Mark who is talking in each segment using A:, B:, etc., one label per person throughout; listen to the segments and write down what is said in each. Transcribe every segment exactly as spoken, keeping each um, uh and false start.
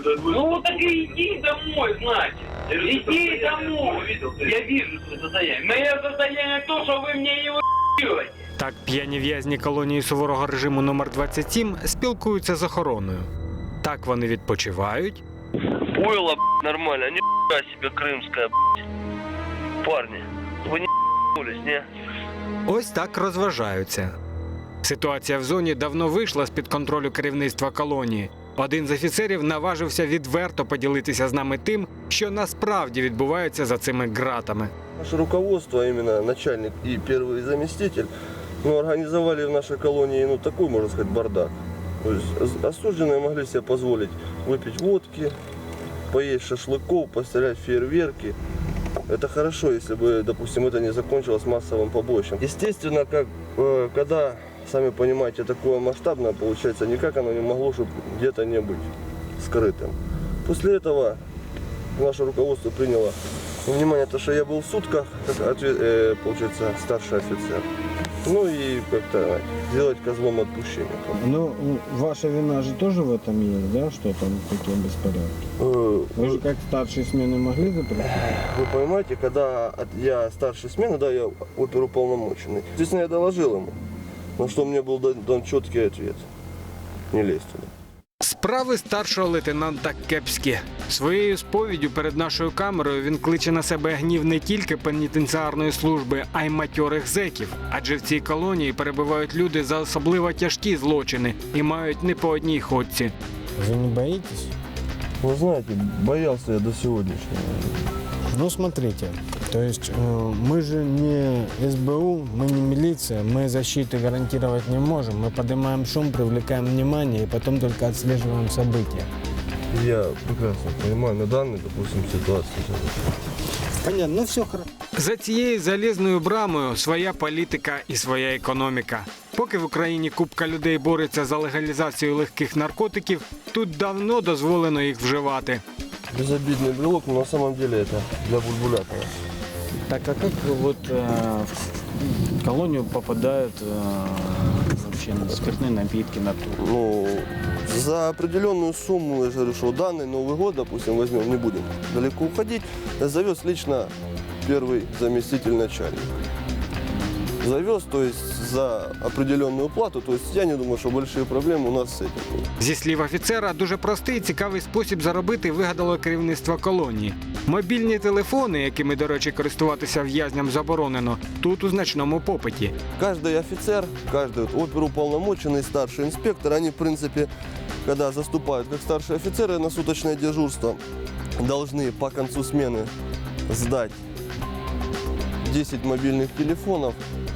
A: Ну так и иди домой, значит. Иди домой. Я вижу свое состояние. Мое состояние то, что вы мне его ебете.
B: Так п'яні в'язні колонії суворого режиму номер двадцять сім спілкуються з охороною. Так вони відпочивають.
C: Пойло, нормально, не себе крымская, парни. Вы не не?
B: Ось так розважаються. Ситуація в зоні давно вийшла з-під контролю керівництва колонії. Один з офіцерів наважився відверто поділитися з нами тим, що насправді відбувається за цими ґратами.
D: Наше руководство, а именно начальник и первый заместитель, ну, организовали в нашей колонии ну, такой, можно сказать, бардак. То есть осужденные могли себе позволить выпить водки, поесть шашлыков, пострелять в фейерверки. Это хорошо, если бы, допустим, это не закончилось массовым побоищем. Естественно, как, э, когда, сами понимаете, такое масштабное получается, никак оно не могло, чтобы где-то не быть скрытым. После этого наше руководство приняло во внимание то, что я был в сутках, как, ответ, э, получается, старший офицер. Ну и как-то сделать козлом отпущения.
E: Ну, ваша вина же тоже в этом есть, да, что там такие беспорядки?
D: Э,
E: Вы же как старшие смены могли запретить?
D: Вы понимаете, когда от- я старший смены, да, я оперуполномоченный. Естественно, я доложил ему, на что мне был дан, дан четкий ответ. Не лезь туда.
B: Справи старшого лейтенанта кепські. Своєю сповіддю перед нашою камерою він кличе на себе гнів не тільки пенітенціарної служби, а й матьорих зеків. Адже в цій колонії перебувають люди за особливо тяжкі злочини і мають не по одній ходці.
E: Вы не боитесь?
D: Вы знаете, боялся я до сегодняшнего.
E: Ну, смотрите, то есть э, мы же не эс бэ у, мы не милиция, мы защиты гарантировать не можем, мы поднимаем шум, привлекаем внимание и потом только отслеживаем события.
D: Я прекрасно понимаю, на данной, допустим, ситуации.
E: Понятно, ну все хорошо.
B: За цією залізною брамою своя політика і своя економіка. Поки в Україні купка людей бореться за легалізацію легких наркотиків, тут давно дозволено їх вживати.
D: Безобидный брелок, но на самом деле это для бульбулятора.
F: Так, а как вот э, в колонию попадают э, вообще спиртные напитки, наркотики?
D: Ну, за определенную сумму, я же говорю, что данный Новый год, допустим, возьмем, не будем далеко уходить, завез лично первый заместитель начальника. Завез, то есть за определенную плату, то есть я не думаю, что большие проблемы у нас с этим будут.
B: Зі слів офіцера, дуже простий і цікавий спосіб заробити вигадало керівництво колонії. Мобільні телефони, якими, до речі, користуватися в'язням заборонено, тут у значному попиті.
D: Каждый офицер, каждый вот оперуполномоченный, старший инспектор, они, в принципе, когда заступают как старшие офицеры на суточное дежурство, должны по концу смены сдать десять мобильных телефонов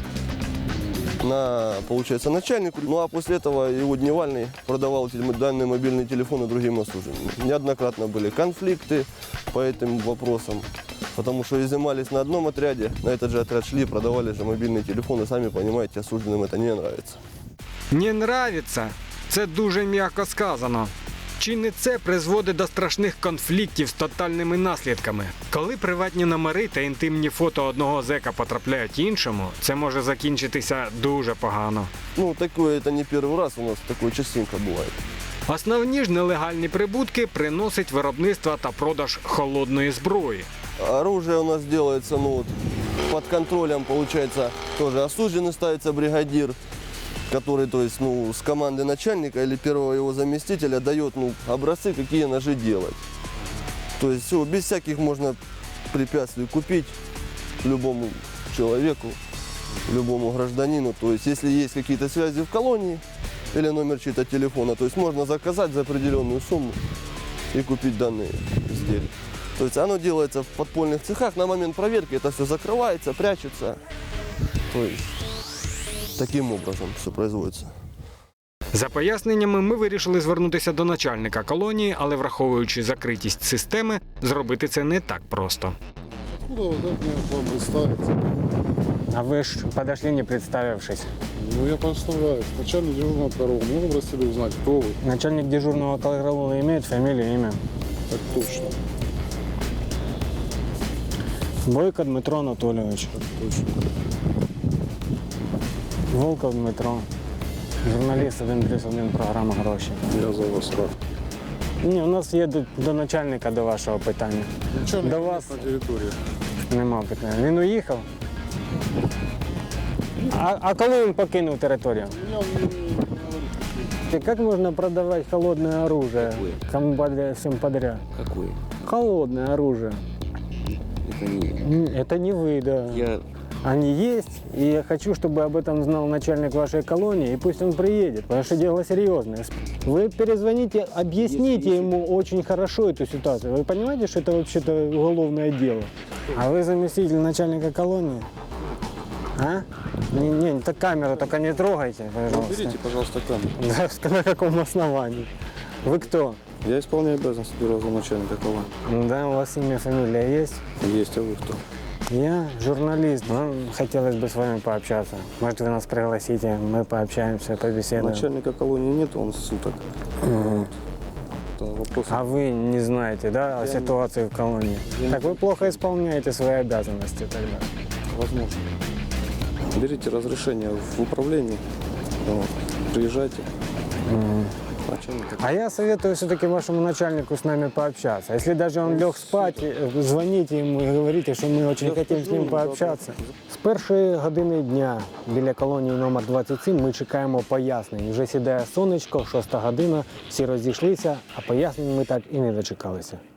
D: на, получается, начальнику. Ну а после этого его Дневальный продавал эти данные мобильные телефоны другим осужденным. Неоднократно были конфликты по этим вопросам, потому что изымались на одном отряде, на этот же отряд шли, продавали же мобильные телефоны. Сами понимаете, осужденным это не нравится.
B: Не нравиться – це дуже м'яко сказано. Чи не це призводить до страшних конфліктів з тотальними наслідками? Коли приватні номери та інтимні фото одного зека потрапляють іншому, це може закінчитися дуже погано.
D: Ну, такое это не первый раз у нас, такое частенько бывает.
B: Основні ж нелегальні прибутки приносить виробництво та продаж холодної зброї.
D: Оружие у нас делается, ну, вот, под контролем, получается, тоже осужденный ставится бригадир, который, то есть, ну, с команды начальника или первого его заместителя дает, ну, образцы, какие ножи делать. То есть все, без всяких можно препятствий купить любому человеку, любому гражданину. То есть если есть какие-то связи в колонии или номер чьего-то телефона, то есть можно заказать за определенную сумму и купить данные изделия. То есть оно делается в подпольных цехах, на момент проверки это все закрывается, прячется. То есть таким образом все производится.
B: За поясненнями ми вирішили звернутися до начальника колонії, але враховуючи закритість системи, зробити це не так просто.
G: Откуда вы как мне к вам представиться?
F: А вы ж подошли, не представившись.
G: Ну, я представляюсь. Начальник дежурного караула. Мне попросили узнать, кто вы.
F: Начальник дежурного караула имеет фамилию, имя?
G: Так точно.
F: Бойко Дмитро Анатольевич.
G: Так точно.
F: Волков Дмитро. Журналіст один плюс один програма «Гроші».
G: Я за вас рад.
E: Ні, у нас їдуть до начальника до вашого питання.
G: Ничего
E: До
G: не
E: вас
G: на территории.
E: нема питання. Він уїхав? А, а коли він покинув територію?
G: Меня он не, не говорит.
E: И как можно продавать холодное оружие? Кому подряд, всем подряд.
H: Какой?
E: Холодное оружие.
H: Это не
E: М, Это не вы, да.
H: я.
E: Они есть, и я хочу, чтобы об этом знал начальник вашей колонии, и пусть он приедет, потому что дело серьезное. Вы перезвоните, объясните ему очень хорошо эту ситуацию. Вы понимаете, что это вообще-то уголовное дело? А вы заместитель начальника колонии? А? Не, не, так камеру только не трогайте, пожалуйста.
G: Уберите, пожалуйста, камеру.
E: Да, на каком основании? Вы кто?
G: Я исполняю обязанности первого замначальника колонии.
E: Да, у вас имя, фамилия есть?
G: Есть, а вы кто?
E: Я журналист. Ну, хотелось бы с вами пообщаться. Может, вы нас пригласите, мы пообщаемся, побеседуем.
G: Начальника колонии нет, он суток.
E: Мгм.
G: Это вопрос.
E: А вы не знаете, да, о ситуации в колонии? Так вы плохо исполняете свои обязанности тогда.
G: Возможно. Берите разрешение в управлении. Вот. Приезжайте. Начальника.
E: А я советую все-таки вашему начальнику с нами пообщаться. Если даже он лег спать, э, звоните ему и говорите, что мы очень
G: Я
E: хотим с
G: скажу
E: ним
G: ему,
E: пообщаться. З першої години дня біля колонії номер двадцять сім ми чекаємо пояснень. Вже сідає сонечко, шоста година, всі розійшлися, а пояснень ми так і не дочекалися.